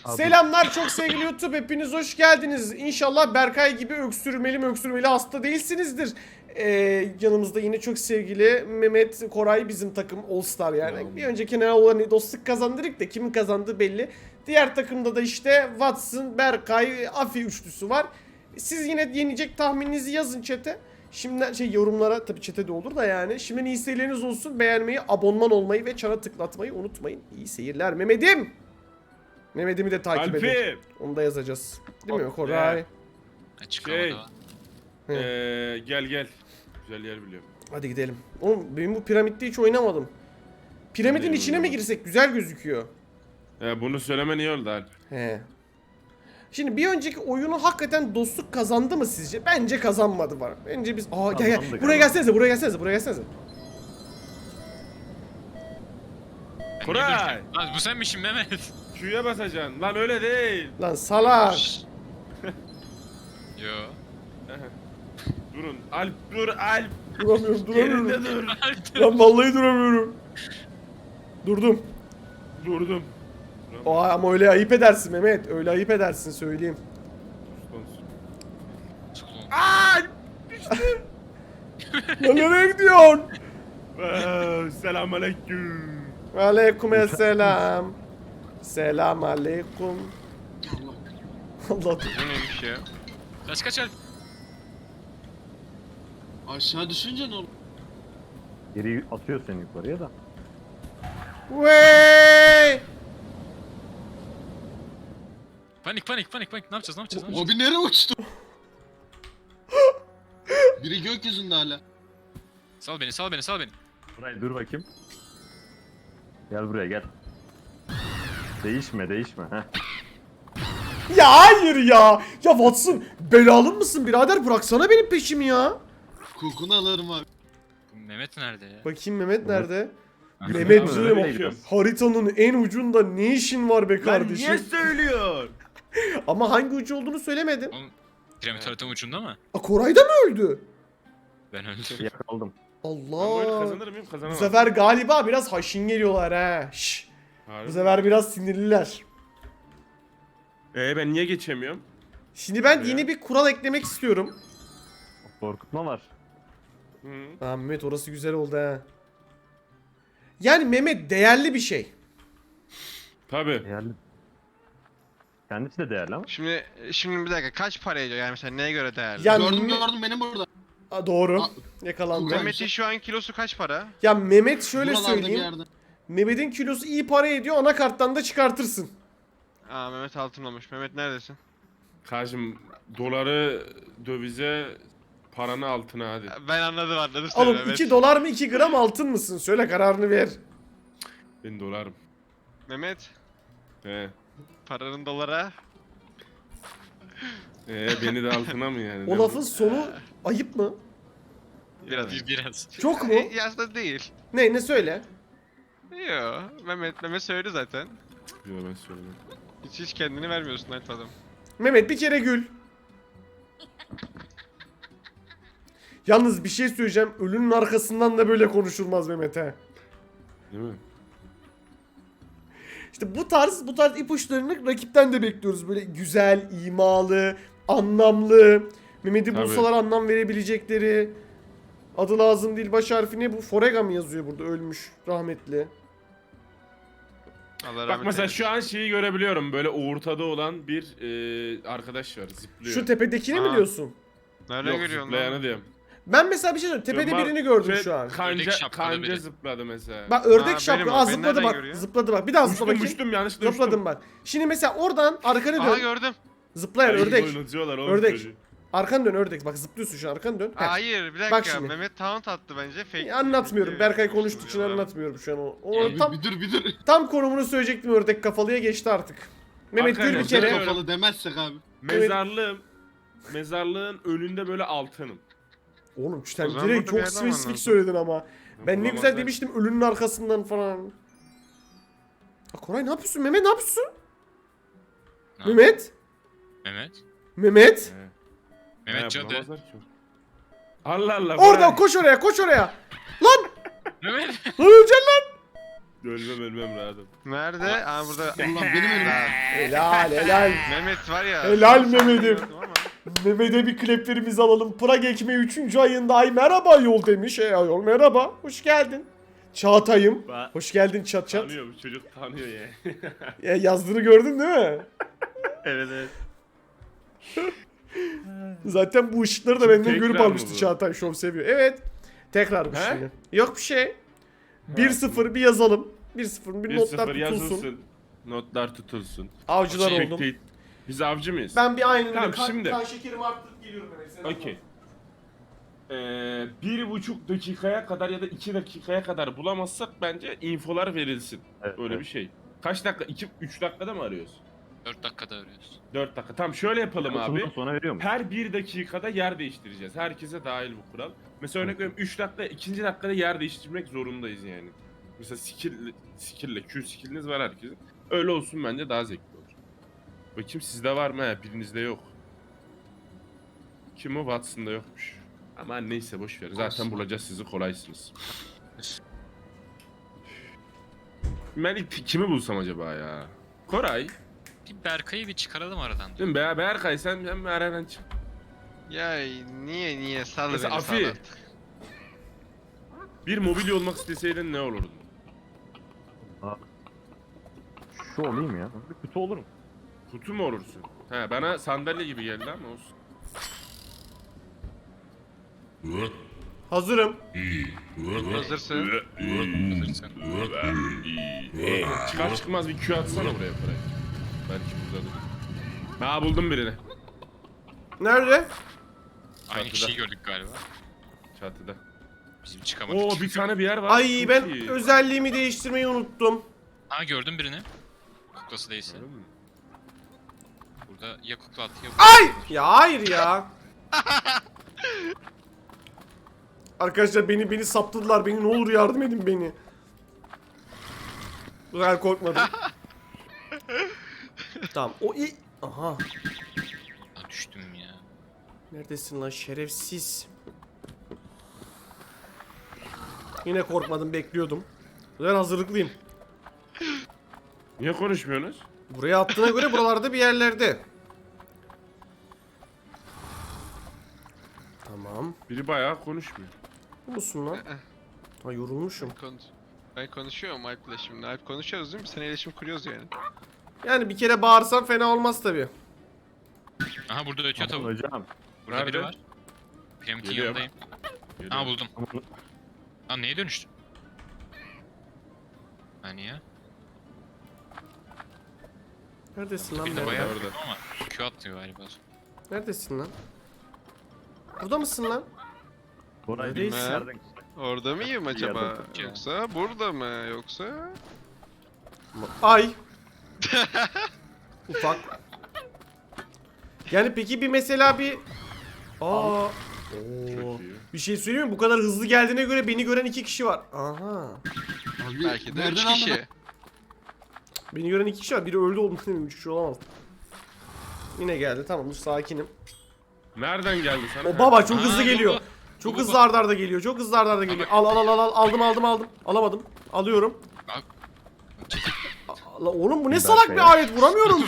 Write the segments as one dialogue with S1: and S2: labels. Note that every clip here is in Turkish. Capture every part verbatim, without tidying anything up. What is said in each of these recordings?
S1: Selamlar çok sevgili YouTube, hepiniz hoş geldiniz. İnşallah Berkay gibi öksürmeli mi öksürmeli hasta değilsinizdir. Ee, yanımızda yine çok sevgili Mehmet Koray, bizim takım All Star yani. Ya. Bir önceki ne olan dostluk kazandırdık da kimin kazandığı belli. Diğer takımda da işte Watson, Berkay, Afi üçlüsü var. Siz yine yenecek tahmininizi yazın chat'e. Şimdi şey yorumlara, tabii chat'e de olur da yani. Şimdi iyi seyirleriniz olsun. Beğenmeyi, abonman olmayı ve çana tıklatmayı unutmayın. İyi seyirler Mehmet'im. Mehmet'imi de takip
S2: Alp'im.
S1: edin. Onu da yazacağız. Değil mi Koray?
S3: Açık
S2: Şey,
S3: havada.
S2: ee, gel gel. Güzel yer biliyorum.
S1: Hadi gidelim. Oğlum benim bu piramitte hiç oynamadım. Piramidin
S2: Hadi
S1: içine mi
S2: oynamadım.
S1: girsek? Güzel gözüküyor.
S2: Ee, bunu söylemen iyi oldu Alp.
S1: He. Şimdi bir önceki oyunu hakikaten dostluk kazandı mı sizce? Bence kazanmadı var. Bence biz... Aa gel gel.
S4: Kazandı,
S1: Buraya
S4: kazandı.
S1: gelsenize, buraya gelsenize, buraya gelsenize.
S3: Ben
S2: Koray!
S3: ne bileyim. Lan bu sen misin Mehmet?
S2: Q'ya basacaksın. Lan öyle değil.
S1: Lan salak.
S3: Yo.
S2: Durun. Alp dur Alp.
S1: Duramıyorum, duramıyorum.
S2: Yerinde dur.
S1: Lan vallahi duramıyorum. Durdum.
S2: Durdum.
S1: Aa, ama öyle ayıp edersin Mehmet. Öyle ayıp edersin söyleyeyim.
S2: Alp!
S1: Lan nereye gidiyorsun?
S2: Selamünaleyküm.
S1: Aleykümselam. Selam aleyküm. Allah.
S3: Bu neymiş ya? Kaç kaç Alp?
S5: Aşağı düşünce ne olur?
S4: Geri atıyor seni yukarıya da.
S1: Wey!
S3: Panik panik panik panik. Ne yapacağız ne yapacağız? Ne yapacağız?
S5: Abi nereye uçtu? Biri gökyüzünde hala.
S3: Sal beni sal beni sal beni.
S4: Buraya dur bakayım. Gel buraya gel. Değişme değişme. Heh.
S1: Ya hayır ya. Ya Watson belalı mısın birader? Bıraksana benim peşimi ya.
S5: Kokunu alırım abi.
S3: Bu Mehmet nerede ya?
S1: Bakayım Mehmet nerede?
S4: Mehmet
S1: Mehmet
S4: mi?
S1: söyleme.
S4: Öyle gidiyoruz.
S1: Haritanın en ucunda ne işin var be
S2: Lan
S1: kardeşim?
S2: niye söylüyor?
S1: Ama hangi ucu olduğunu söylemedin.
S3: Oğlum piramit haritanın ucunda mı?
S1: A, Koray da mı öldü?
S3: Ben öldüm.
S4: Yakaladım.
S2: Ben bu oyunu
S1: Allah.
S2: kazanır mıyım?
S1: Bu
S2: Kazanamam.
S1: sefer galiba biraz haşin geliyorlar ha. Şş.
S2: Harbi.
S1: Bu sefer biraz sinirliler.
S2: Ee ben niye geçemiyorum?
S1: Şimdi ben
S2: Ya.
S1: yeni bir kural eklemek istiyorum.
S4: Korkutma var.
S2: Hı.
S1: Aa, Mehmet orası güzel oldu ha. Yani Mehmet değerli bir şey.
S2: Tabii.
S4: Değerli. Kendisi de değerli ama.
S6: Şimdi şimdi bir dakika kaç para ediyor yani mesela neye göre değerli?
S1: Ya
S5: gördüm
S1: Me-
S5: gördüm benim burada.
S1: Aa, doğru.
S5: Aa,
S1: Yakalandı.
S5: Mehmet-
S6: Mehmet'in şu an kilosu kaç para?
S1: Ya Mehmet şöyle
S5: Buralarda bir
S1: söyleyeyim.
S5: yerde.
S1: Mehmet'in kilosu iyi para ediyor. Anakarttan da çıkartırsın.
S6: Aa Mehmet altınlamış. Mehmet neredesin?
S2: Karşım doları dövize paranı altına hadi.
S6: Ben anladım anladım seni
S1: Oğlum
S6: Mehmet.
S1: iki dolar mı iki gram altın mısın? Söyle kararını ver.
S2: Ben dolarım.
S6: Mehmet
S2: He.
S6: paranın dolara.
S2: Ee beni de altına mı yani?
S1: O
S2: Ne
S1: lafın
S2: bu?
S1: sonu ayıp mı?
S6: Biraz.
S3: Bir biraz.
S1: Çok mu?
S6: E, aslında değil.
S1: Ne ne söyle?
S6: Yo Mehmet Mehmet söyledi zaten.
S2: Yo ben söyledim.
S6: Hiç hiç kendini vermiyorsun Alp adam.
S1: Mehmet bir kere gül. Yalnız bir şey söyleyeceğim. Ölünün arkasından da böyle konuşulmaz Mehmet he.
S2: Değil mi?
S1: İşte bu tarz bu tarz ipuçlarını rakipten de bekliyoruz. Böyle güzel, imalı, anlamlı. Mehmet'i
S2: Tabii.
S1: bulsalar anlam verebilecekleri. Adı lazım değil, baş harfi ne bu? Forega mı yazıyor burada, ölmüş rahmetli.
S6: Allah
S2: Bak
S6: rahmet
S2: mesela
S6: eylesin.
S2: şu an şeyi görebiliyorum. Böyle ortada olan bir e, arkadaş var zıplıyor.
S1: Şu tepedekini mi
S6: Aa.
S1: diyorsun?
S6: Nereden
S2: Yok
S6: görüyorsun
S2: zıplayanı
S6: lan?
S2: diyorum.
S1: Ben mesela bir şey söyleyeyim. Tepede
S2: Var-
S1: birini gördüm
S2: ve
S1: şu an.
S2: Kanca,
S3: Ördek şapkalı
S2: kanca
S3: biri.
S2: zıpladı mesela.
S1: Bak ördek
S6: Aa,
S1: şapka.
S6: benim o.
S1: Aa
S6: Beni
S1: zıpladı
S6: nereden
S1: bak.
S6: görüyor?
S1: Zıpladı bak. Bir daha zıpla
S2: Uçtum
S1: bakayım.
S2: uçtum yanlışlıkla uçtum.
S1: Zıpladım bak. Şimdi mesela oradan arkanı
S6: Aha
S1: dön.
S6: gördüm.
S1: Zıplayan
S2: Ay,
S1: ördek.
S2: oynatıyorlar oğlum
S1: Ördek.
S2: çocuğu.
S1: Arkanı dön ördek. Bak zıplıyorsun şu an, arkanı dön. Heh.
S6: Hayır bir
S1: Bak
S6: dakika
S1: şimdi.
S6: Mehmet taunt attı bence fake.
S1: Ya anlatmıyorum.
S6: fake-
S1: Berkay konuştuğu için
S6: Ya.
S1: anlatmıyorum şu an o. O
S5: Abi
S1: tam
S5: bir dur bir dur.
S1: tam konumunu söyleyecektim, ördek kafalıya geçti artık. Mehmet gül bir
S2: Arkadaşlar,
S1: kere.
S2: evet.
S5: Kafalı demezsek abi.
S2: Mezarlığım. Mezarlığın önünde böyle altınım.
S1: Oğlum sen
S6: O zaman
S1: direkt
S6: burada bir
S1: çok
S6: yerden
S1: spesifik
S6: anlarsın.
S1: söyledin ama. Ben ne güzel
S2: Bulamazlar.
S1: demiştim ölünün arkasından falan. Aa, Koray ne yapıyorsun? Mehmet ne yapıyorsun?
S3: Ne
S1: Mehmet?
S3: Mehmet.
S1: Mehmet?
S2: He.
S3: Mehmet
S2: He,
S3: cadı.
S2: bulamazlar ki. Allah Allah.
S1: Orada
S2: bırak.
S1: koş oraya, koş oraya. Lan!
S3: Mehmet.
S1: Lan öleceksin lan!
S2: Ölmem ölmem rahatım.
S6: Nerede? Aa burada.
S5: Allah benim önüme.
S1: Helal helal.
S6: Mehmet var ya.
S1: Helal Mehmet'im.
S6: Ama
S1: Mehmet'e bir kleplerimizi alalım. Prag ekmeği üçüncü ayında ay merhaba yol demiş. Ey ayol merhaba. Hoş geldin. Çağatay'ım.
S2: Ba-
S1: Hoş geldin çat çat.
S2: Tanıyor bu çocuk tanıyor ya.
S1: Ya yazdığını gördün değil mi?
S2: evet evet.
S1: Zaten bu ışıkları da
S2: Şimdi
S1: benden görüp
S2: tekrar mı
S1: almıştı
S2: bu?
S1: Çağatay. Şov seviyor. Evet. Tekrarmış
S2: He?
S1: şimdi. Yok bir şey. bir sıfır bir yazalım. bir sıfır bir
S2: bir
S1: notlar
S2: sıfır
S1: tutulsun.
S2: yazılsın. Notlar tutulsun.
S1: Avcılar
S3: Şey,
S1: oldum.
S2: Spectate- Biz avcı mıyız?
S1: Ben bir aynen
S2: Tamam,
S1: öyle kan,
S2: şimdi.
S1: kan şekerimi arttırıp geliyorum hemen. Sen
S2: Okey. Ee, bir buçuk dakikaya kadar ya da iki dakikaya kadar bulamazsak bence infolar verilsin.
S4: Evet,
S2: Öyle
S4: evet.
S2: bir şey. Kaç dakika? iki üç dakikada mı arıyoruz?
S3: dört dakikada arıyoruz.
S2: dört dakika. Tamam şöyle yapalım abi.
S4: Oturumdan sonra veriyor mu?
S2: Her bir dakikada yer değiştireceğiz. Herkese dahil bu kural. Mesela örnek veriyorum üç dakika, ikinci dakikada yer değiştirmek zorundayız yani. Mesela skill, skill'le, Q skill'iniz var herkesin. Öyle olsun bence daha zevkli olur. Bakayım sizde var mı? He, birinizde yok. Kim o? Watson'da yokmuş. Ama neyse boş ver. Zaten bulacağız sizi kolaysınız. Ben ilk kimi bulsam acaba ya? Koray.
S3: Bir Berkay'ı bir çıkaralım aradan.
S2: Değil mi? Be Berkay sen hem aradan çık.
S6: ya niye niye sal
S2: Mesela
S6: beni
S2: Afi.
S6: sal.
S2: Bir mobilya olmak isteseydin ne olurdun?
S4: Şu olayım ya. Bir kutu olurum.
S2: Kutu mu olursun? He bana sandalye gibi geldi ama olsun.
S1: Hazırım.
S6: Hazırsın.
S3: Hazırsan.
S2: Çıkar çıkmaz bir Q atsana buraya parayı. Belki buradadır. Ha buldum birini.
S1: Nerede?
S3: Aynı
S2: Çatıda.
S3: kişiyi gördük galiba.
S2: Çatıda.
S3: Bizim çıkamadık.
S2: Oo bir tane bir yer var.
S1: Ay
S2: Çok
S1: ben
S2: iyi.
S1: özelliğimi değiştirmeyi unuttum.
S3: Ha gördüm birini. Kuklası değilse.
S2: Gördün mü?
S3: Burada ya kukla at ya
S1: Ay! Ya hayır ya. Arkadaşlar beni beni saptadılar. Beni ne olur yardım edin beni. Ben korkmadım. Tamam. O i Aha.
S3: Lan düştüm ya.
S1: Neredesin lan şerefsiz? Yine korkmadım, bekliyordum. Ben hazırlıklıyım.
S2: Niye konuşmuyorsunuz?
S1: Buraya attığına göre buralarda bir yerlerde. Tamam.
S2: Biri bayağı konuşmuyor.
S1: Bu musun lan? Ha yorulmuşum.
S6: Konuş. Ben konuşuyorum Alp'le şimdi. Alp konuşuyoruz değil mi? Seninle iletişim kuruyoruz yani.
S1: Yani bir kere bağırsam fena olmaz tabii.
S3: Aha burada ötüyor
S4: Aman
S3: tavuk.
S4: hocam.
S3: Burada
S2: Nerede?
S3: biri var. Piramidin
S2: Geliyorum.
S3: yanındayım.
S2: Geliyor.
S3: Aha buldum.
S4: Aman
S3: Lan neye dönüştü? Hani ya?
S1: Neredesin lan?
S3: Bir de
S1: Nerede?
S3: bayağı
S2: orada.
S3: ama Q atıyor galiba.
S1: Neredesin lan? Burada mısın lan?
S4: Koray
S1: Neredeyiz?
S4: bilmem nereden-
S6: Orada mıyım acaba?
S4: Yardım.
S6: Yoksa burada mı? Yoksa?
S1: Ay. Ufak. Yani peki bir mesela bir... Aa. Oo.
S2: Çok iyi.
S1: Bir şey söyleyeyim mi? Bu kadar hızlı geldiğine göre beni gören iki kişi var. Aha.
S5: Abi,
S6: Belki de
S5: nereden
S6: üç
S5: aldın?
S6: kişi.
S1: Beni gören iki kişi var. Biri öldü oldu. Üç kişi olamaz. Yine geldi. Tamam dur sakinim.
S2: Nereden geldi sana?
S1: O baba çok
S3: Aa,
S1: hızlı
S3: bu,
S1: geliyor.
S3: bu.
S1: Çok
S3: Bu, bu,
S1: hızlı
S3: bu.
S1: arda arda geliyor. Çok hızlı arda arda geliyor. Al al al al al. Aldım aldım aldım. Alamadım. Alıyorum.
S3: Abi.
S1: La oğlum bu ne
S4: Bir
S1: salak
S4: dakika
S1: bir
S4: ya.
S1: alet. Vuramıyorum.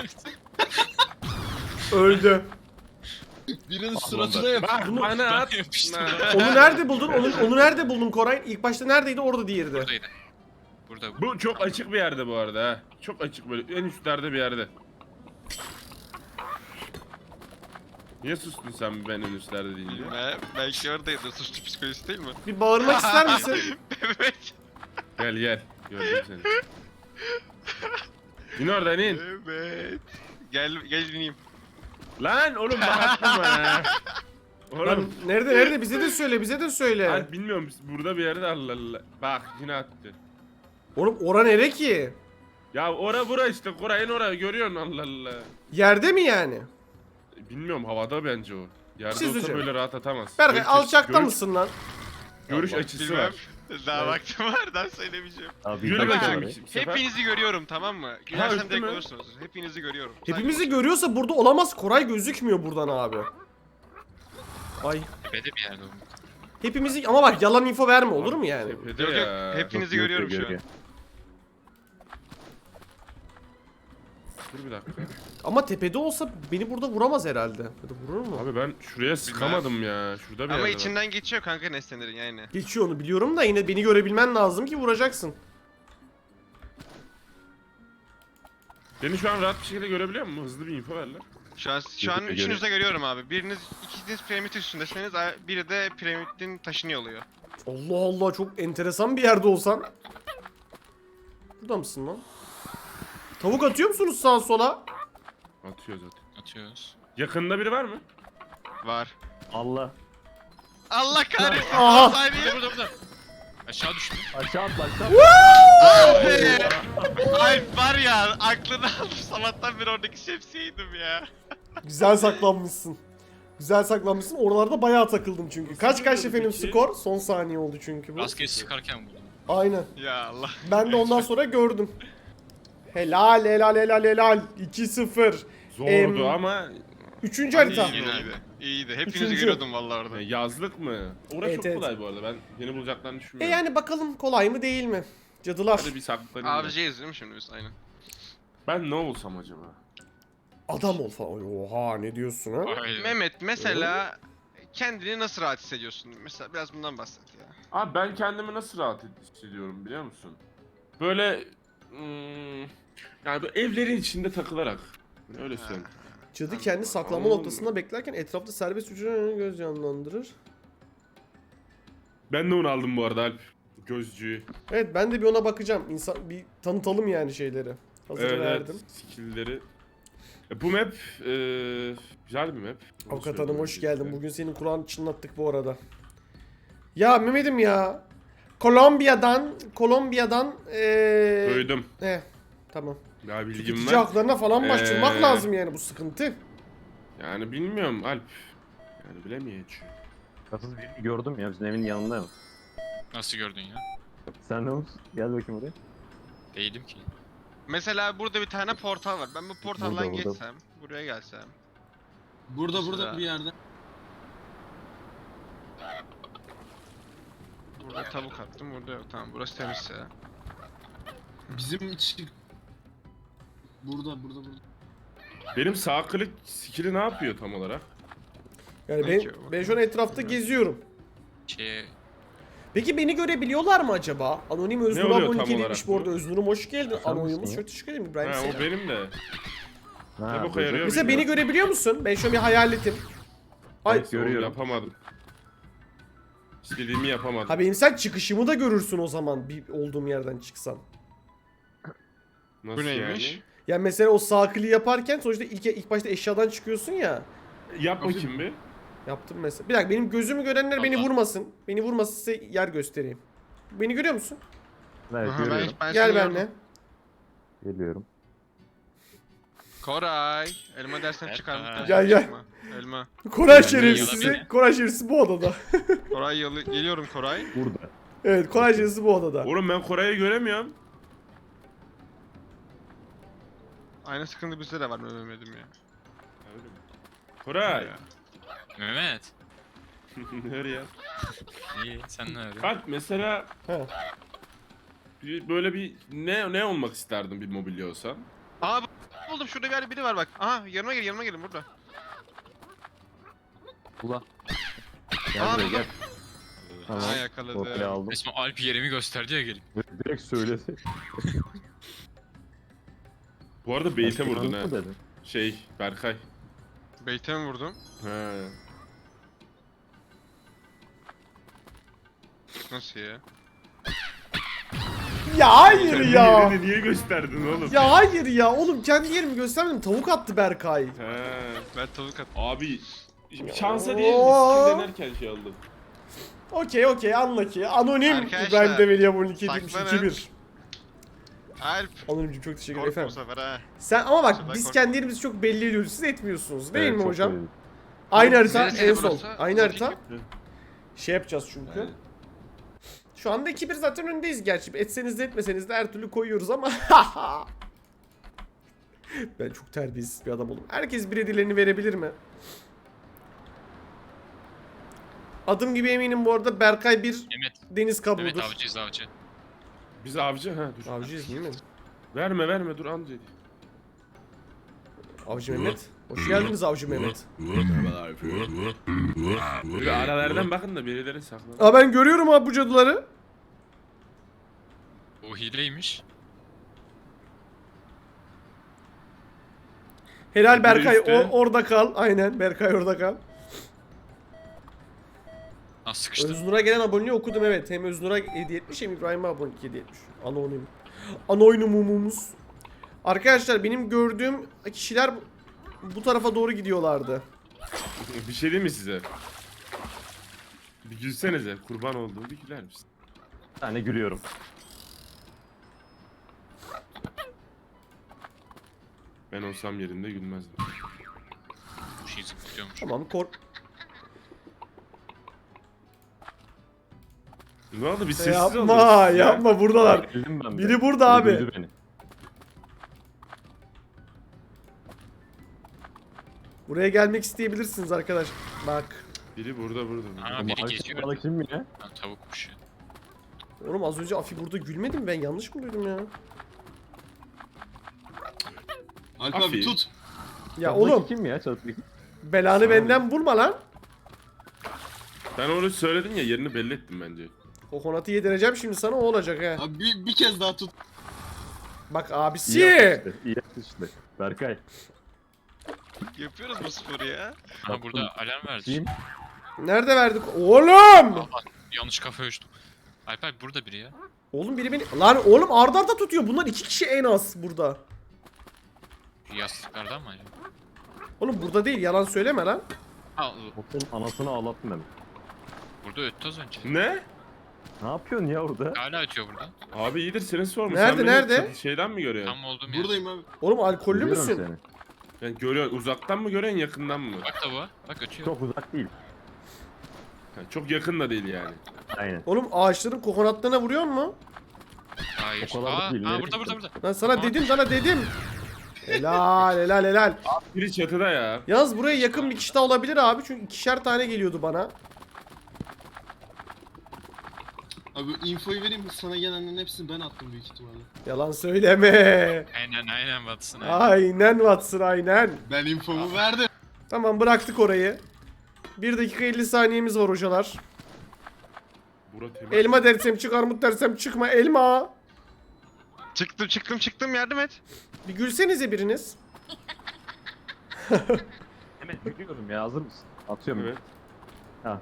S1: Öldü.
S5: Birinin suratına yap.
S2: Bak
S1: Bunu-
S2: bana at.
S3: yapıştım.
S1: Onu nerede buldun? Onu, onu nerede buldun Koray? İlk başta neredeydi? Orada diğeri de.
S3: Buradaydı. Burada.
S2: Bu çok açık bir yerde bu arada ha. Çok açık böyle en üstlerde bir yerde. Niye sustun sen ben en üstlerde deyince?
S6: Bilmem. Belki oradaydı. Suçlu psikolojisi değil mi?
S1: Bir bağırmak ister misin?
S6: Evet.
S2: Gel gel. Gördüm seni. İn oradan in.
S6: Evet. Gel gel bineyim.
S2: Lan oğlum bağırtma bana.
S1: Lan
S2: Oğlum.
S1: nerede nerede? Bize de söyle, bize de söyle.
S2: Alp bilmiyorum burada bir yerde Allah Allah. Bak yine attı.
S1: Oğlum ora nere ki?
S2: Ya ora bura işte Koray'ın orayı görüyorsun Allah Allah.
S1: Yerde mi yani?
S2: Bilmiyorum havada bence o. Yerde
S1: Siz
S2: olsa
S1: hocam.
S2: böyle rahat atamaz.
S1: Berkay
S2: Görüş-
S1: alçakta
S2: görüş-
S1: mısın lan?
S2: Görüş
S1: Allah,
S2: açısı
S6: Bilmem.
S2: var.
S6: Daha
S1: Evet.
S6: vaktim var. Daha söylemeyeceğim.
S4: Abi,
S2: Yürü
S4: bir dakika
S2: bakayım.
S4: var ya.
S2: bu sefer.
S6: Hepinizi görüyorum tamam mı? Gülersem
S2: öptü
S6: direkt
S2: mü?
S6: olursunuz. Hepinizi görüyorum.
S1: Hepimizi görüyorsa burada olamaz. Koray gözükmüyor buradan abi. Ay.
S3: Tepede bir yerde oldu.
S1: Hepimizi ama bak yalan info verme olur mu yani?
S2: Tepede
S6: Yok yok.
S2: ya.
S6: Hepinizi
S4: Yok, yok,
S6: görüyorum
S4: yok,
S6: şu an.
S4: yok.
S2: Dur bir dakika.
S1: Ama tepede olsa beni burada vuramaz herhalde. Ya da vurur mu?
S2: Abi ben şuraya sıkamadım ya. Şurada bir
S6: Ama
S2: yerde bak.
S6: içinden geçiyor kanka nesnelerin yani.
S1: Geçiyor onu biliyorum da yine beni görebilmen lazım ki vuracaksın.
S2: Beni şu an rahat bir şekilde görebiliyor musun? Hızlı bir info ver lan.
S6: Şu an şu an
S4: Göre-
S6: üçünüzü de görüyorum abi. Biriniz ikiniz piramit üstündesiniz, biri de piramidin taşını oluyor.
S1: Allah Allah, çok enteresan bir yerde olsan. Burada mısın lan? Tavuk atıyor musunuz sağa sola?
S2: Atıyor zaten.
S3: Atıyoruz.
S2: Yakında biri var mı?
S6: Var.
S4: Allah.
S6: Allah kahretsin.
S1: Aha.
S6: Saniye.
S3: Burada burada burada. Aşağı düştü.
S4: Aşağı atla aşağı.
S6: Abi. Ay var ya aklını aldım sabahtan beri oradaki şemsiyeydim ya.
S1: Güzel saklanmışsın. Güzel saklanmışsın. Oralarda bayağı takıldım çünkü. Kaç kaç efendim
S2: Peki.
S1: skor? Son saniye oldu çünkü bu.
S3: Rastgele sıkarken vurdum.
S1: Aynen.
S6: Ya Allah.
S1: Ben de ondan sonra gördüm. Helal helal helal helal. iki sıfır.
S2: Zordu
S1: Em,
S2: ama
S1: Üçüncü
S2: Hani
S1: harita.
S2: yine-
S6: İyiydi. İyiydi. Hepinizi
S1: Üçüncü.
S6: görüyordum vallahi orada.
S2: e, yazlık mı? Orası
S1: Evet,
S2: çok
S1: evet.
S2: kolay bu arada. Ben beni bulacaklarını
S1: E
S2: düşünmüyorum.
S1: yani bakalım kolay mı değil mi? Cadılar.
S2: Hadi bir saklanayım. ben.
S6: Avcıyız değil mi şimdi biz? Aynen.
S2: Ben ne olsam acaba?
S1: Adam ol falan. Oha, ne diyorsun ha?
S3: Aynen.
S6: Mehmet mesela kendini nasıl rahat hissediyorsun? Mesela biraz bundan bahset ya.
S2: Abi ben kendimi nasıl rahat hissediyorum biliyor musun? Böyle hmm, yani böyle evlerin içinde takılarak. Öyle söyleyeyim.
S1: Cadı kendi saklanma
S2: Anladım.
S1: noktasında beklerken etrafta serbest hücrelerini göz canlandırır.
S2: Ben de onu aldım bu arada Alp. Gözcüğü.
S1: Evet, ben de bir ona bakacağım. İnsan bir tanıtalım yani şeyleri. Hazır
S2: Evet,
S1: verdim.
S2: evet. Skill'leri. E, bu map e, güzel bir map. Onu
S1: Avukat
S2: söyleyeyim
S1: hanım hoş
S2: öncelikle.
S1: geldin. Bugün senin Kur'an çınlattık bu arada. Ya Mehmet'im ya. Kolombiya'dan, Kolombiya'dan eee
S2: Duydum.
S1: Eh, tamam.
S2: Ya bilgim
S1: Tüketici
S2: var.
S1: haklarına falan başvurmak
S2: Ee,
S1: lazım yani, bu sıkıntı.
S2: Yani bilmiyorum Alp. Yani bilemeyeceğim.
S4: Kasız birini gördüm ya bizim evin yanında mı?
S3: Nasıl gördün ya?
S4: Sen ne olsun? Gel bakayım oraya.
S3: Değilim ki.
S6: Mesela burada bir tane portal var. Ben bu portaldan
S4: Burada, burada.
S6: geçsem, buraya gelsem.
S5: Burada
S6: Mesela-
S5: burada bir yerde.
S6: Burada tavuk attım, burada yok. Tamam, burası temizse.
S5: Bizim iç... Burada burada burada.
S2: Benim sağ klik skill'i ne yapıyor tam olarak?
S1: Yani ben,
S6: Peki,
S1: ben şu an etrafta geziyorum.
S3: Şey...
S1: Peki beni görebiliyorlar mı acaba? Anonim Öznur
S2: oluyor
S1: abone
S2: tam
S1: demiş
S2: olarak
S1: bu arada.
S2: bu?
S1: Öznur'um hoş geldin.
S4: Sen
S1: Anonymous
S4: misin ya?
S1: çok teşekkür ederim İbrahim
S2: Ha,
S1: Selam.
S2: o benim de.
S4: Ha,
S2: Ne boka
S4: böyle.
S2: yarıyor?
S1: Mesela beni
S2: bilmiyorum.
S1: görebiliyor musun? Ben şu an bir hayaletim. Ay,
S2: Neyse, oğlum,
S4: görüyorum.
S2: yapamadım. İstediğimi yapamadım.
S1: ha benim sen çıkışımı da görürsün o zaman, bir olduğum yerden çıksam.
S2: Nasıl
S6: Bu neymiş?
S2: yani?
S1: Yani mesela o sağ kliği yaparken sonuçta ilk, ilk başta eşyadan çıkıyorsun ya.
S2: Yap bakayım bir.
S1: Yaptım mesela. Bir dakika, benim gözümü görenler beni
S3: Allah.
S1: vurmasın. Beni vurmasın, size yer göstereyim. Beni görüyor musun?
S4: Evet
S6: Aha, ben,
S4: görüyorum.
S6: ben
S1: Gel
S6: seni
S1: benimle.
S6: gördüm.
S4: Geliyorum.
S6: Koray, elma dersen
S3: Evet,
S6: çıkar mı?
S3: ha.
S1: Gel, gel.
S6: Çıkma. Elma.
S1: Koray
S3: Yani
S1: şerefsizi,
S3: yalan-
S1: Koray şerefsizi bu odada.
S6: Koray yalı geliyorum Koray.
S4: Burada.
S1: Evet, Koray şerefsizi bu odada.
S2: Oğlum ben Koray'ı göremiyorum.
S6: Aynı sıkıntı bizde de var Mehmet'im ya.
S2: Öyle mi? Koray.
S3: Mehmet.
S2: Nereye?
S3: İyi sen ne arıyorsun?
S2: Bak mesela
S1: He.
S2: bir- böyle bir ne ne olmak isterdin bir mobilya olsan?
S6: Aa bu- buldum, şurada bir yerde biri var bak. Aha yanıma gel, yanıma gelin burada.
S4: Ula. Gel
S6: Aa,
S4: buraya
S6: burada.
S4: gel. Tamam.
S6: Aa yakaladı.
S4: Ortaya aldım.
S3: Resmen Alp yerimi gösterdi ya gelip.
S4: Direkt söyledi.
S2: Bu arada Beyt'e vurdun ha.
S4: Mı dedin?
S2: Şey Berkay.
S6: Beyte mi vurdum?
S2: He.
S6: Nasıl ya?
S1: Ya hayır
S2: Kendi
S1: ya.
S2: yerini niye gösterdin oğlum?
S1: Ya hayır ya. Oğlum kendi yerimi göstermedim. Tavuk attı Berkay.
S2: He.
S6: Ben tavuk attım.
S2: Abi şansa değil
S1: Oo.
S2: skill denerken şey aldım.
S1: Okey okey, anla ki. Anonim
S6: Arkadaşlar,
S1: İbrahim Develi abone demiş
S6: saklanın.
S1: iki bir.
S6: Alp.
S1: Anonimciğim çok teşekkür ederim
S6: Korkma bu
S1: efendim.
S6: sefer ha.
S1: Sen ama bak,
S6: sefer
S1: biz
S6: korkma.
S1: kendi yerimizi çok belli ediyoruz. Siz etmiyorsunuz değil
S4: Evet,
S1: mi
S4: çok
S1: hocam?
S4: söyledik.
S1: Aynı harita
S6: Neresiydi
S1: en son.
S6: burası?
S1: Aynı
S6: Bakayım.
S1: harita. Şey yapacağız çünkü.
S2: Evet.
S1: Şu anda iki bir zaten öndeyiz gerçi. Etseniz de etmeseniz de her türlü koyuyoruz ama. Ben çok terbiyesiz bir adam oldum. Herkes bir hedilerini verebilir mi? Adım gibi eminim bu arada Berkay bir
S3: Mehmet.
S1: deniz
S3: Mehmet
S1: kabuğudur.
S3: avcıyız avcı.
S2: Biz avcı ha dur.
S1: Avcıyız değil mi?
S2: Verme verme dur amca.
S1: Avcı Mehmet. Hoş geldiniz Avcı Mehmet.
S2: Bir aralardan bakın da birileri saklanır.
S1: Aa ben görüyorum abi bu cadıları.
S3: O hileymiş.
S1: Helal
S2: Biri
S1: Berkay
S2: üstte.
S1: o, orada kal. Aynen Berkay orada kal.
S3: Ah sıkıştı.
S1: Öznur'a gelen aboneliği okudum evet. Hem Öznur'a hediye etmiş hem İbrahim'e abonelik hediye etmiş. Anonim. Anoynumumumuz. Arkadaşlar benim gördüğüm kişiler bu- bu tarafa doğru gidiyorlardı.
S2: Bir şey diyeyim mi size? Bir gülsenize. Kurban olduğum bir güler misin?
S4: Bir tane gülüyorum.
S2: Ben olsam yerinde gülmezdim.
S3: Bu şey zıplıyormuş.
S1: Tamam kork.
S2: Ne oldu? Bir sessiz
S1: Yapma
S2: oldunuz ya.
S1: yapma buradalar.
S4: Geldim ben de.
S1: Biri burada
S4: Biri
S1: abi.
S4: duydu beni.
S1: Buraya gelmek isteyebilirsiniz arkadaş. Bak.
S2: Biri burada burada.
S3: Aa
S4: Bu
S3: biri
S4: mavi
S3: geçiyor.
S4: kafalı kim ya?
S3: Ha, tavukmuş ya.
S1: Oğlum az önce Afi burada gülmedi mi? Ben yanlış mı duydum ya?
S5: Alp
S2: Afi.
S5: abi tut.
S1: Ya
S4: Çatıdaki
S1: oğlum
S4: kim ya çatıdaki?
S1: belanı benden bulma lan.
S2: Ben onu söyledin ya, yerini belli ettim bence.
S1: Kokonatı yedireceğim şimdi sana o olacak he.
S5: Abi bir, bir kez daha tut.
S1: Bak
S4: İyi
S1: abisi.
S4: yapmıştı. İyi yapmıştı. Berkay.
S6: Yapıyoruz bu sporu ya.
S3: Ha burada alarm verdi.
S4: Kim?
S1: Nerede verdik? Oğlum!
S3: Allah yanlış kafa uçtum. Alper burada biri ya.
S1: Oğlum biri beni... Lan oğlum arda arda tutuyor. Bunlar iki kişi en az burada.
S3: Şu yastıklardan mı acaba?
S1: Oğlum burada değil yalan söyleme lan.
S3: Ha
S4: Botun anasını ağlattın ben.
S3: burada öttü az önce.
S2: Ne?
S4: Ne yapıyorsun ya orada?
S3: Hala ötüyor burada.
S2: Abi iyidir, seni sormuş.
S1: Nerede,
S2: Sen beni
S1: nerede?
S2: çatı- Şeyden mi görüyorsun?
S3: Tam olduğum yer.
S5: Buradayım abi.
S1: Oğlum alkollü
S4: Görüyorum
S1: müsün?
S4: seni.
S2: Yani görüyorsun, uzaktan mı görüyorsun, yakından mı?
S3: Bak da bu. Bak ötüyor.
S4: Çok uzak değil.
S2: Ha, çok yakın da değil yani.
S4: Aynen.
S1: Oğlum ağaçların kokonatlarına vuruyor mu?
S3: Hayır.
S4: O kadar da
S3: Aa,
S4: değil,
S3: aa
S4: nereye
S3: burada burada burada.
S1: Lan sana
S3: Aa.
S1: dedim sana dedim. Helal helal helal.
S2: Biri çatıda ya.
S1: Yalnız buraya yakın bir kişi daha olabilir abi. Çünkü ikişer tane geliyordu bana.
S5: Abi infoyu vereyim mi? Sana gelenlerin hepsini ben attım büyük ihtimalle.
S1: Yalan söyleme.
S3: Aynen aynen batsın. Aynen.
S1: Aynen Watson aynen.
S5: Ben infomu verdim.
S1: Tamam bıraktık orayı. bir dakika elli saniyemiz var hocalar.
S2: Bura temiz.
S1: Elma dersem çık, armut dersem çıkma. Elma.
S6: Çıktım çıktım çıktım, yardım et.
S1: Bir gülsenize biriniz.
S4: Hemen gülüyorum ya, hazır mısın? Atıyorum.
S2: Evet.
S4: Ha.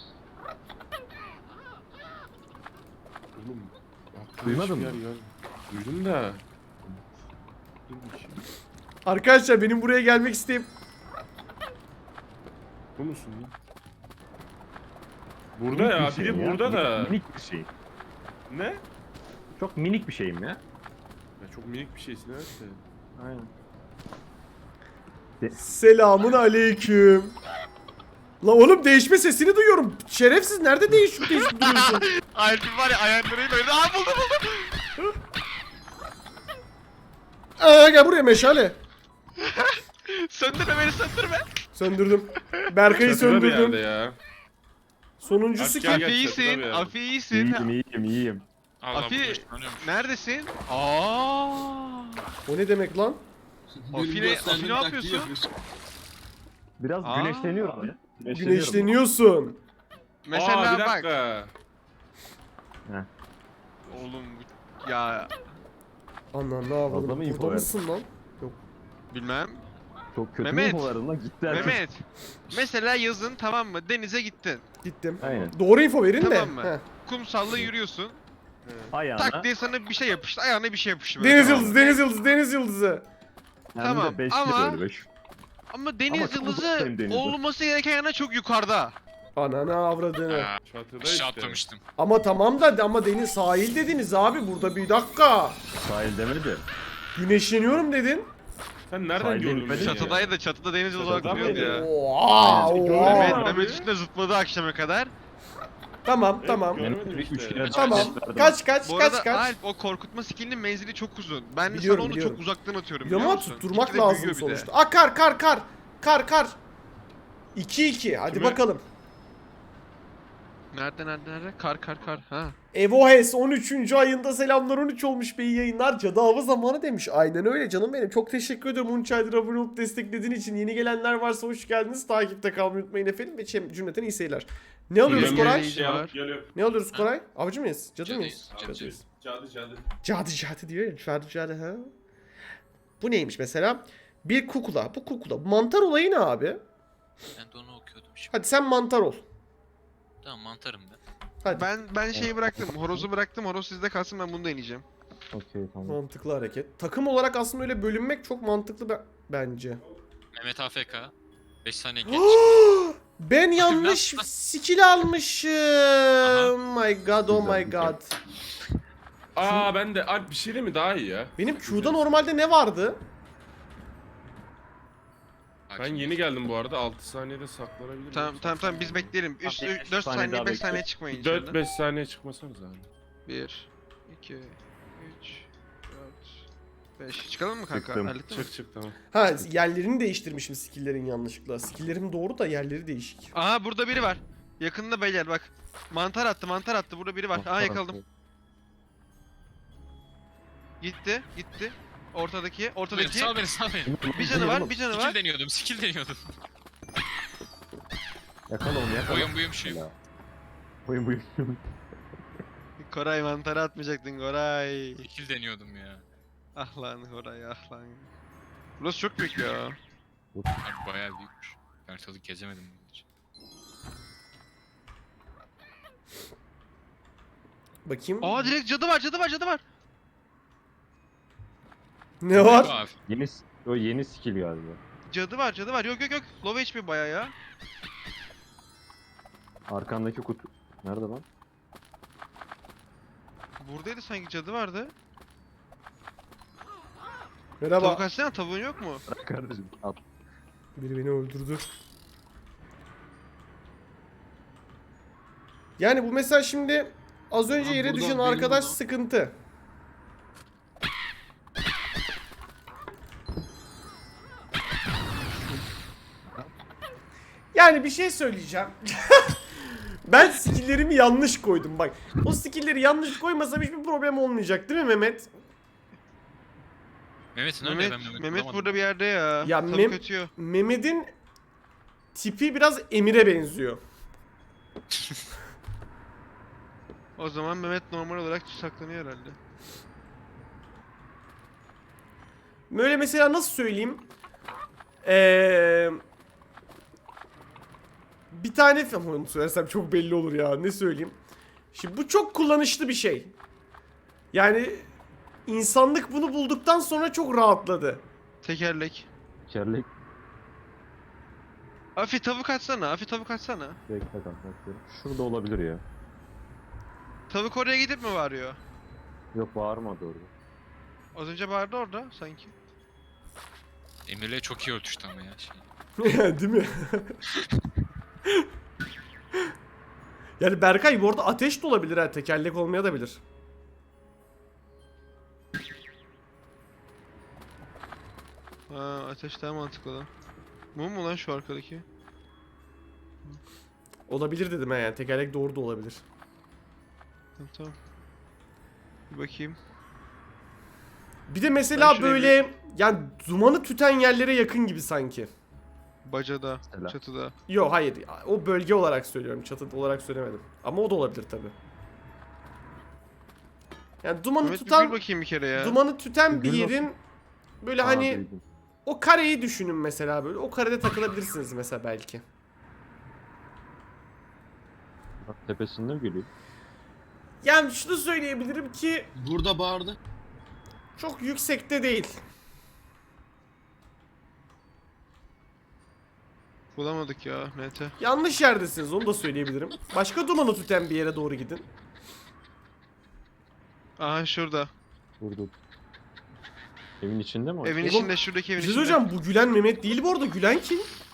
S2: Oğlum. aklıma
S4: Duymadın
S2: hiçbir
S4: mı?
S2: yer gelmedi. Duydum da. Dur bakayım.
S1: Arkadaşlar benim buraya gelmek isteyip...
S2: Bu musun lan? Burada
S4: Minik
S2: ya,
S4: bir şey
S2: biri
S4: ya.
S2: burada da.
S4: Minik bir şey.
S2: Ne?
S4: Çok minik bir şeyim ya.
S2: Ya çok minik bir şeysin evet de.
S4: Aynen.
S1: Selamun aleyküm. La oğlum değişme sesini duyuyorum. Şerefsiz nerede değişip değişip duruyorsun?
S6: Alp'in var ya ayaklarıyla oynadı. Aa buldum buldum.
S1: Aa, gel buraya meşale.
S6: Söndürme beni, söndürme.
S1: Söndürdüm. Berkay'ı
S2: Çatıda bir
S1: söndürdüm.
S2: yerde ya.
S1: Sonuncusu
S2: Gel,
S1: kim?
S2: gel.
S6: Afi
S2: çatıda
S6: iyisin,
S2: bir yer.
S6: Afi iyisin.
S4: İyiyim iyiyim iyiyim.
S3: Allah
S6: Afi
S3: bu ışınlanıyormuş.
S6: neredesin? Aa.
S1: O ne demek lan?
S5: Benim
S6: Afine-
S5: gösterdiğim
S6: Afine
S5: taktiği
S6: yapıyorsun?
S4: Biraz
S6: Aa.
S4: güneşleniyorum ya. Güneşleniyorum.
S1: Güneşleniyorsun.
S6: Mesela
S2: Aa, bir
S6: bak.
S2: dakika.
S6: Oğlum bu- ya
S1: Anam ne
S4: Fazla
S1: yapalım?
S4: mı info
S1: Burada
S4: verdin?
S1: mısın lan?
S6: bilmem.
S4: Çok kötü
S6: Mehmet.
S4: info verdin lan, gitti herkes.
S6: Mehmet. Mesela yazın, tamam mı? Denize gittin.
S1: Gittim.
S4: Aynen.
S1: Doğru info verin de.
S6: Tamam mı?
S1: Heh.
S6: Kumsalla yürüyorsun.
S4: Ayağına.
S6: Tak diye sana bir şey yapıştı. Ayağına bir şey yapıştı. böyle,
S1: Deniz
S6: tamam
S1: yıldızı,
S6: mı?
S1: deniz yıldızı, deniz yıldızı.
S4: Hem
S6: Tamam,
S4: de beşli
S6: ama-
S4: böyle beş.
S6: Ama deniz
S4: Ama çok
S6: yıldızı
S4: uzaktayım denize.
S6: olması gereken yana çok yukarıda.
S1: Ananı avradını.
S3: Aa,
S2: Çatıda
S3: aşağı
S2: işte.
S3: atlamıştım.
S1: Ama tamam da ama deniz sahil dediniz abi burada bir dakika.
S4: Sahil demedi.
S1: Güneşleniyorum dedin.
S2: Sen nereden
S4: Sahilde
S2: gördün
S4: inmedin
S2: beni
S4: ya.
S2: ya?
S6: Çatıdaydı, çatıda deniz yıldızı
S2: Çatıda
S6: olarak duruyordu
S2: mıydı?
S6: ya.
S1: Oha,
S2: Gördüm
S1: oha.
S2: abi.
S6: Mehmet, Mehmet üstüne zıpladı akşama kadar.
S1: Tamam
S2: Evet,
S1: tamam.
S2: gördüm.
S4: Benim
S2: Görmedim
S4: üç
S2: işte.
S4: kere
S1: Tamam.
S4: verdim.
S1: Kaç kaç
S6: Bu
S1: kaç
S6: arada
S1: kaç.
S6: Alp, o korkutma skillinin menzili çok uzun. Ben de
S1: Biliyorum,
S6: sana onu
S1: biliyorum.
S6: çok uzaktan atıyorum,
S1: Biliyorum
S6: biliyor
S1: ama
S6: musun?
S1: tutturmak
S6: İkide
S1: lazım
S6: büyüyor bir de.
S1: sonuçta. Aa kar kar kar. Kar kar. iki iki hadi
S2: Kime?
S1: bakalım.
S6: Nerede nerede nerede? Kar kar kar. Ha.
S1: Evohes on üçüncü ayında selamlar, on üç olmuş be, iyi yayınlar. Cadı avı zamanı demiş. Aynen öyle canım benim. Çok teşekkür ederim on üç aydır abone olup desteklediğin için. Yeni gelenler varsa hoş geldiniz. Takipte kalmayı unutmayın efendim. Ve çem- cümleten iyi seyirler. Ne alıyoruz
S2: Yemeği
S1: Koray?
S2: şey alıp geliyorum.
S1: Ne alıyoruz Koray? Avcı mıyız? Cadı
S3: Cadıyız,
S1: mıyız?
S3: cadıyız.
S1: Cadıyız.
S2: Cadı cadı.
S1: Cadı cadı diyor ya. Cadı cadı ha. Bu neymiş mesela? Bir kukula. Bu kukula. Mantar olayı ne abi?
S3: Ben de onu okuyordum şimdi.
S1: Hadi sen mantar ol.
S3: Tamam mantarım ben.
S1: Hadi.
S7: Ben ben şeyi bıraktım. Horozu bıraktım. Horoz sizde kalsın, ben bunu deneyeceğim.
S4: Okey tamam.
S1: Mantıklı hareket. Takım olarak aslında öyle bölünmek çok mantıklı be- bence.
S3: Mehmet A F K. beş saniye geç.
S1: Ben yanlış
S3: Nasıl?
S1: skill almışım. My god, oh my
S4: Güzel,
S1: god.
S2: Aa ben de Alp bir şey değil mi daha iyi ya?
S1: Benim Q'da normalde ne vardı?
S3: Bak
S2: Ben
S3: şimdi.
S2: yeni geldim bu arada, altı saniyede saklanabilirim.
S7: Tamam tamam tamam biz bekleyelim. üç
S4: Tamam,
S7: dört
S4: saniye
S7: saniye
S4: daha
S7: beş
S4: bekle.
S7: saniye çıkmayın
S2: dört
S7: içeriden.
S2: beş saniye çıkmasanız abi.
S7: bir iki üç dört beş. Çıkalım mı kanka?
S4: Çıktım.
S7: Hallettin mi?
S2: Çık çık tamam.
S1: Ha, yerlerini değiştirmişim skill'lerin yanlışlıkla. Skill'lerim doğru da yerleri değişik.
S7: Aha burada biri var. Yakında beyler bak. Mantar attı mantar attı. Burada biri var. Aha yakaladım. Gitti gitti. Ortadaki
S3: Beni,
S7: ortadaki.
S3: sal beni sal beni.
S7: Bir canı var bir canı
S3: Skill
S7: var.
S3: deniyordum skill deniyordum.
S4: Yakala onu yakala.
S3: Oyun buyum şu.
S4: Ya. Oyun buyum.
S7: Koray mantarı atmayacaktın Koray.
S3: Skill deniyordum ya.
S7: Ah lan Koray ah lan. Burası çok büyük ya.
S3: Abi bayağı büyükmüş. Ben ortalık gezemedim bunun için.
S1: Bakayım.
S7: Aa direkt cadı var cadı var cadı var.
S1: Ne var?
S3: Abi,
S4: Yeni s- o yeni skill galiba.
S7: Cadı var cadı var. Yok yok yok. Low H P baya ya.
S4: Arkandaki kutu. Nerede lan?
S7: Buradaydı sanki cadı vardı.
S1: Merhaba.
S7: Tavuk açsana, tavuğun yok mu?
S4: Kardeşim at.
S1: Biri beni öldürdü. Yani bu mesela şimdi az önce
S5: Abi
S1: yere
S5: burada
S1: düşen
S5: benim
S1: arkadaş
S5: burada-
S1: sıkıntı. Yani bir şey söyleyeceğim. Ben skill'lerimi yanlış koydum bak. O skill'leri yanlış koymasam hiçbir problem olmayacak değil mi Mehmet?
S3: Mehmet nerede
S7: Mehmet,
S3: ben Mehmet,
S7: Mehmet
S3: bulamadım.
S7: burada bir yerde ya.
S1: Ya
S7: Tavuk
S1: Mem-
S7: ötüyor.
S1: Mehmet'in tipi biraz Emir'e benziyor.
S7: O zaman Mehmet normal olarak saklanıyor herhalde.
S1: Böyle mesela nasıl söyleyeyim? Eee bir tane ama onu söylersem çok belli olur ya. Ne söyleyeyim? Şimdi bu çok kullanışlı bir şey. Yani insanlık bunu bulduktan sonra çok rahatladı.
S7: Tekerlek.
S4: Kerlek.
S7: Afi tavuk açsana. Afi tavuk açsana.
S4: Bekle kanka. bakıyorum. Şurada olabilir ya.
S7: Tavuk oraya gidip mi varıyor?
S4: Yok bağırmadı orada.
S7: Az önce vardı orada sanki.
S3: Emir'le çok iyi örtüştü ama ya şey.
S1: Değil mi? Yani Berkay bu arada ateş de olabilir ha. Tekerlek olmaya da bilir.
S7: Ha ateş daha mantıklı lan. Mum mu lan şu arkadaki?
S1: Olabilir dedim ha yani. Tekerlek doğru da olabilir.
S7: Tamam tamam. Bir bakayım.
S1: Bir de mesela
S7: Ben şuraya
S1: böyle yani dumanı tüten yerlere yakın gibi sanki.
S7: Bacada,
S4: Mesela.
S7: çatıda.
S1: Yok hayır. O bölge olarak söylüyorum. Çatı olarak söylemedim. Ama o da olabilir tabi. Yani dumanı
S7: Mehmet bir
S1: tutan
S7: gül bakayım bir kere ya.
S1: dumanı tüten bir
S4: Gül
S1: yerin böyle
S4: Aa,
S1: hani
S4: duydum.
S1: o kareyi düşünün mesela böyle. O karede takılabilirsiniz mesela belki.
S4: Bak, tepesinde mi geliyor?
S1: Yani şunu söyleyebilirim ki
S5: Burada bağırdı.
S1: çok yüksekte değil.
S7: Bulamadık ya N T.
S1: Yanlış yerdesiniz onu da söyleyebilirim. Başka dumanı tüten bir yere doğru gidin.
S7: Aha şurada.
S4: Burada. Evin içinde mi? o?
S7: Evin
S1: Oğlum,
S7: içinde, şuradaki evin
S1: Bir şey
S7: içinde.
S1: söyleyeceğim, bu gülen Mehmet değil bu arada. Gülen kim?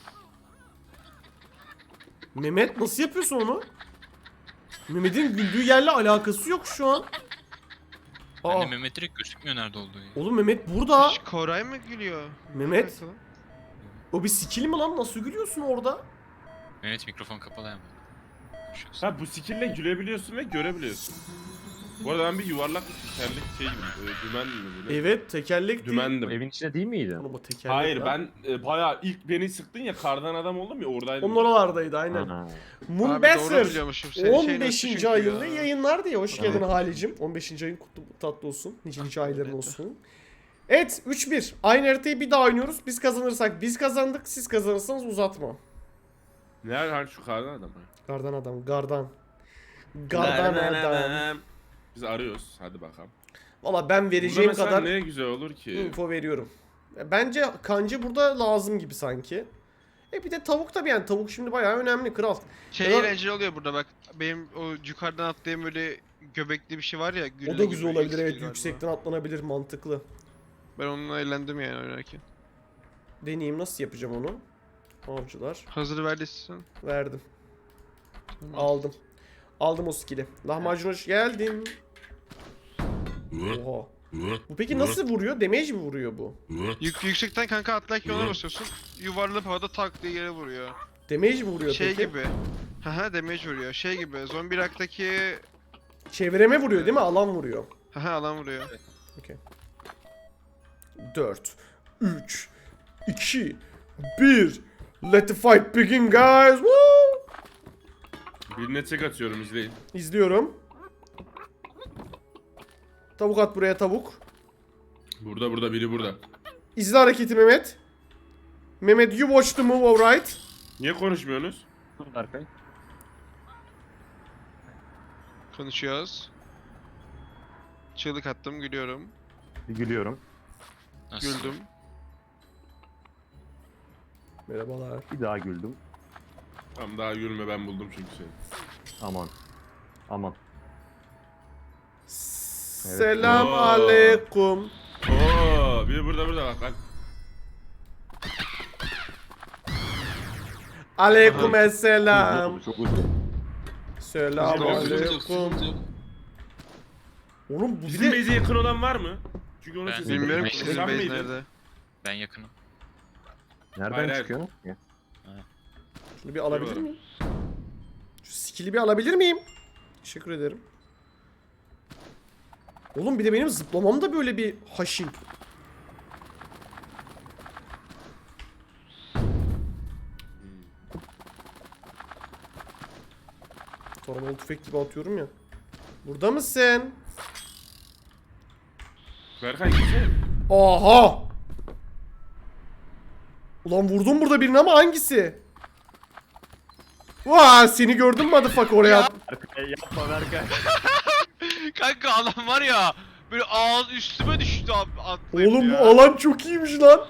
S1: Mehmet nasıl yapıyorsun onu? Mehmet'in güldüğü yerle alakası yok şu an. Aa,
S3: Bende Mehmet direkt gözükmüyor nerede olduğu ya.
S1: oğlum Mehmet burada.
S7: Şş, Koray mı gülüyor?
S1: Mehmet.
S7: Bir dakika lan.
S1: O bir skill mi lan? Nasıl gülüyorsun orada?
S3: Mehmet mikrofon kapalı hemen. Geçmiş olsun.
S2: Ha bu skill'le gülebiliyorsun ve görebiliyorsun. Bu arada ben bir yuvarlak bir tekerlek şey gibi, e, dümen mi böyle?
S1: Evet tekerlek değil.
S4: Bu
S2: Dümendim.
S4: evin içinde değil miydi?
S1: Oğlum bu tekerlek
S2: Hayır
S1: lan.
S2: ben e, bayağı ilk beni sıktın ya kardan adam oldum ya oradaydım.
S1: Onun oralardaydı aynen.
S4: Ha.
S7: Abi doğru
S1: Moonbasser
S7: biliyormuşum. Senin şeyin
S1: on
S7: öttü
S1: beşinci
S7: çünkü
S1: ayında
S7: ya.
S1: yayınlar diye. Hoş geldin
S4: Evet.
S1: Halicim. on beşinci ayın kutlu tatlı olsun. Nice nice ayların
S7: Evet.
S1: olsun. Evet üç bir. Aynı haritayı bir daha oynuyoruz. Biz kazanırsak biz kazandık. Siz kazanırsanız uzatma.
S2: Nerede hani şu kardan adam? ha?
S1: Gardan adam. Gardan. Gardan adam.
S2: Biz arıyoruz. Hadi bakalım.
S1: Valla ben
S2: Burada
S1: vereceğim
S2: mesela
S1: kadar
S2: ne güzel olur ki.
S1: info veriyorum. Bence kancı burada lazım gibi sanki. E bir de tavuk tabii yani. Tavuk şimdi bayağı önemli kral.
S7: Şey
S1: Ya-
S7: eğlenceli oluyor burada bak. Benim o yukarıdan atlayan böyle göbekli bir şey var ya.
S1: O
S7: gülle
S1: da
S7: gibi,
S1: güzel olabilir
S7: X
S1: evet.
S7: galiba.
S1: Yüksekten atlanabilir mantıklı.
S7: Ben onunla eğlendim yani oynarken.
S1: Deneyeyim nasıl yapacağım onu. Avcılar.
S7: Hazır verdiysen.
S1: Verdim. Aldım. Aldım o skill'i. Lahmacun hoş geldin. Oha. Bu peki nasıl vuruyor? Damage mi vuruyor bu?
S7: Yük, yüksekten kanka atlarken ona basıyorsun. Yuvarlanıp havada tak diye yere vuruyor.
S1: Damage mi vuruyor
S7: Şey
S1: peki?
S7: gibi. Haha damage vuruyor. Şey gibi. Zombi raktaki
S1: Çevreme vuruyor değil mi? Alan vuruyor.
S7: haha alan vuruyor.
S1: dört, üç, iki, bir. Let the fight begin guys. Woo!
S2: Birine tek atıyorum izleyin.
S1: İzliyorum. Tavuk at buraya tavuk.
S2: Burada burada biri burada.
S1: İzle hareketi Mehmet. Mehmet you watch the move alright.
S2: Niye konuşmuyorsunuz?
S4: Dur Berkay.
S7: Konuşuyoruz. Çığlık attım gülüyorum.
S4: Bir gülüyorum.
S3: Nasıl?
S7: Güldüm.
S1: Merhabalar.
S4: Bir daha güldüm.
S2: Tamam daha gülme ben buldum çünkü seni.
S4: Aman. Aman.
S1: Selam
S2: Oo.
S1: aleyküm.
S2: Oo, biri burada burada bak bak.
S1: Aleyküm
S4: Hızlı
S1: selam.
S4: oldu, çok hızlı.
S1: Selam
S7: Sıkıntı yok,
S5: Sıkıntı yok,
S1: aleyküm.
S5: sıkıntı yok.
S1: Oğlum bu bir
S2: Bizim
S1: de
S2: base'e yakın olan var mı? Çünkü onun
S3: Ben-
S2: sesi
S7: Bilmiyorum
S3: Ben-
S7: ki
S2: Sen
S7: senin base
S2: miydin?
S7: nerede.
S3: Ben yakınım.
S4: Nereden
S2: Hayır, hayır.
S4: çıkıyor? Ya.
S1: şunu bir alabilir
S2: Eyvallah.
S1: miyim? Şu skill'i bir alabilir miyim? Teşekkür ederim. Oğlum bir de benim zıplamam da böyle bir haşin. Taramalı tüfek gibi atıyorum ya. Burada mısın?
S2: Berkay gitsene.
S1: Aha! Ulan vurdum burada birini ama hangisi? Vaa seni gördüm motherfucker oraya.
S4: Berkay yapma Berkay.
S6: Kanka adam var ya böyle ağız üstüme düştü ab- atlayıp
S1: Oğlum bu
S6: ya.
S1: alan çok iyiymiş lan.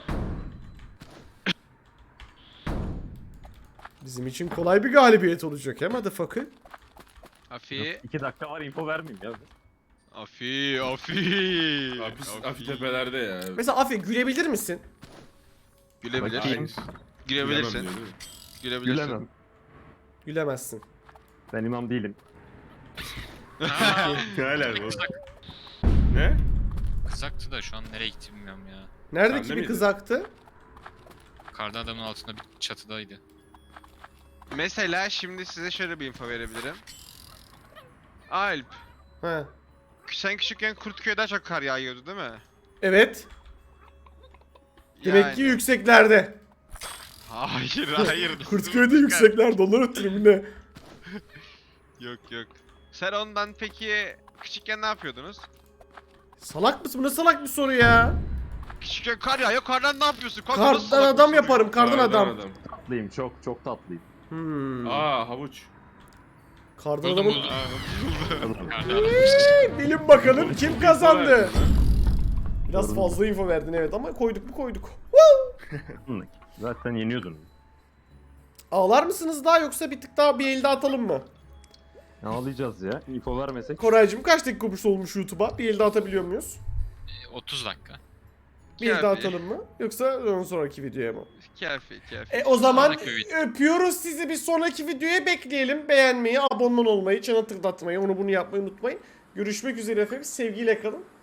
S1: Bizim için kolay bir galibiyet olacak he motherfucker.
S6: Afi,
S4: İki dakika var info vermeyeyim ya.
S6: afi, afi.
S2: Afi, afi tepelerde ya.
S1: Mesela Afi gülebilir misin?
S7: Gülebilir.
S4: Bakayım.
S7: Gülebilirsin.
S2: Bilemem diyor, değil mi?
S7: Gülebilirsin.
S4: Gülemem.
S1: Gülemezsin.
S4: Ben imam değilim.
S3: Aa,
S2: Ne alaka bu?
S3: kızak,
S2: Ne?
S3: kızaktı da şu an nereye gitti bilmiyorum ya.
S1: Neredeki
S2: Sende
S1: bir
S2: miydi?
S1: kızaktı?
S3: Kardan adamın altında bir çatıdaydı.
S7: Mesela şimdi size şöyle bir info verebilirim. Alp,
S1: He.
S7: sen küçükken Kurtköy'de daha çok kar yağıyordu değil mi?
S1: Evet. Demek ki
S7: Yani.
S1: yükseklerde.
S7: Hayır hayır.
S1: Kurtköy'de yükseklerde onlar ötürü mü ne?
S7: Yok yok. Sen ondan peki küçükken ne yapıyordunuz?
S1: Salak mısın? Bu ne salak bir soru ya?
S7: Küçükken kar yağıyor, kardan ne yapıyorsun? Kanka nasıl
S1: Kardan
S7: salak
S1: adam
S7: bir soru
S1: yaparım,
S7: ya?
S1: kardan adam.
S4: Tatlıyım çok çok tatlıyım.
S1: Hmm.
S2: Aa havuç.
S1: Kardan
S3: Buldum
S1: adamın...
S3: buldum. Kardan adam.
S1: Bilin bakalım kim kazandı?
S2: Verdin lan.
S1: Biraz
S4: Gördüm.
S1: fazla info verdin evet ama koyduk mu koyduk.
S4: Zaten yeniyordun.
S1: Ağlar mısınız daha yoksa bir tık daha bir elde atalım mı?
S4: Ne ağlayacağız ya? Info vermesek.
S1: Koraycığım kaç dakika olmuş olmuş YouTube'a? Bir elde atabiliyor muyuz?
S3: E, otuz dakika.
S1: Bir elde
S7: Kafi.
S1: atalım mı? Yoksa ondan sonraki videoya mı?
S7: Kafi kafi.
S1: E o zaman
S3: Sonraki video.
S1: öpüyoruz sizi, bir sonraki videoya bekleyelim. Beğenmeyi, abone olmayı, çana tıklatmayı, onu bunu yapmayı unutmayın. Görüşmek üzere efendim. Sevgiyle kalın.